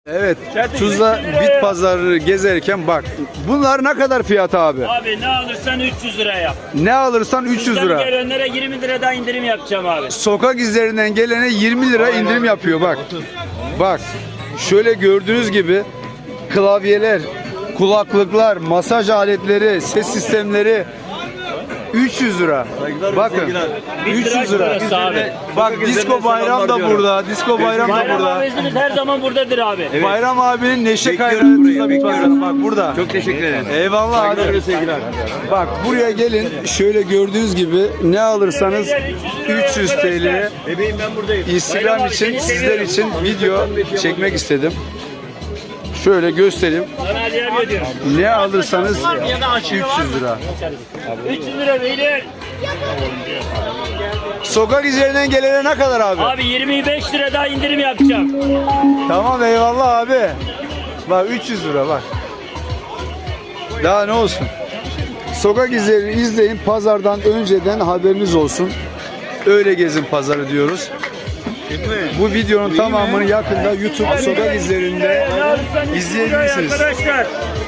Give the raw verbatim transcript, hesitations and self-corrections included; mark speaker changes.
Speaker 1: Evet, Tuzla bit pazarı gezerken bak. Bunlar ne kadar fiyat abi?
Speaker 2: Abi ne alırsan üç yüz lira yap.
Speaker 1: Ne alırsan üç yüz
Speaker 2: Sizden
Speaker 1: lira.
Speaker 2: gelenlere yirmi liradan indirim yapacağım abi.
Speaker 1: Sokak izlerinden gelene yirmi lira indirim yapıyor bak. Bak. Şöyle gördüğünüz gibi klavyeler, kulaklıklar, masaj aletleri, ses sistemleri üç yüz lira. Bakın. üç yüz lira.
Speaker 2: Abi.
Speaker 1: Bak Disco Bayram da burada. Disco Bayram da
Speaker 2: Bayram
Speaker 1: burada.
Speaker 2: abimiz her zaman buradadır abi.
Speaker 1: Bayram abinin neşe kaynağı Tuzla bit pazarı bak burada. Çok teşekkür ederim. Eyvallah abi. Bak buraya gelin. Şöyle gördüğünüz gibi ne alırsanız üç yüz T L.
Speaker 2: Bebeğim ben buradayım.
Speaker 1: Instagram için sizler için video çekmek istedim. Şöyle göstereyim.
Speaker 2: Sana hediye ediyorum.
Speaker 1: Ne alırsanız üç yüz lira.
Speaker 2: üç yüz lira beyler.
Speaker 1: Sokak üzerinden gelene ne kadar abi?
Speaker 2: Abi yirmi beş lira daha indirim yapacağım.
Speaker 1: Tamam eyvallah abi. Bak üç yüz lira bak. Daha ne olsun? Sokak izlerini izleyin. Pazardan önceden haberiniz olsun. Öyle gezin pazarı diyoruz. Bu videonun tamamını yakında YouTube sokak izlerinde
Speaker 2: Ne alırsan üç yüz lira
Speaker 1: izleyebilirsiniz.
Speaker 2: arkadaşlar.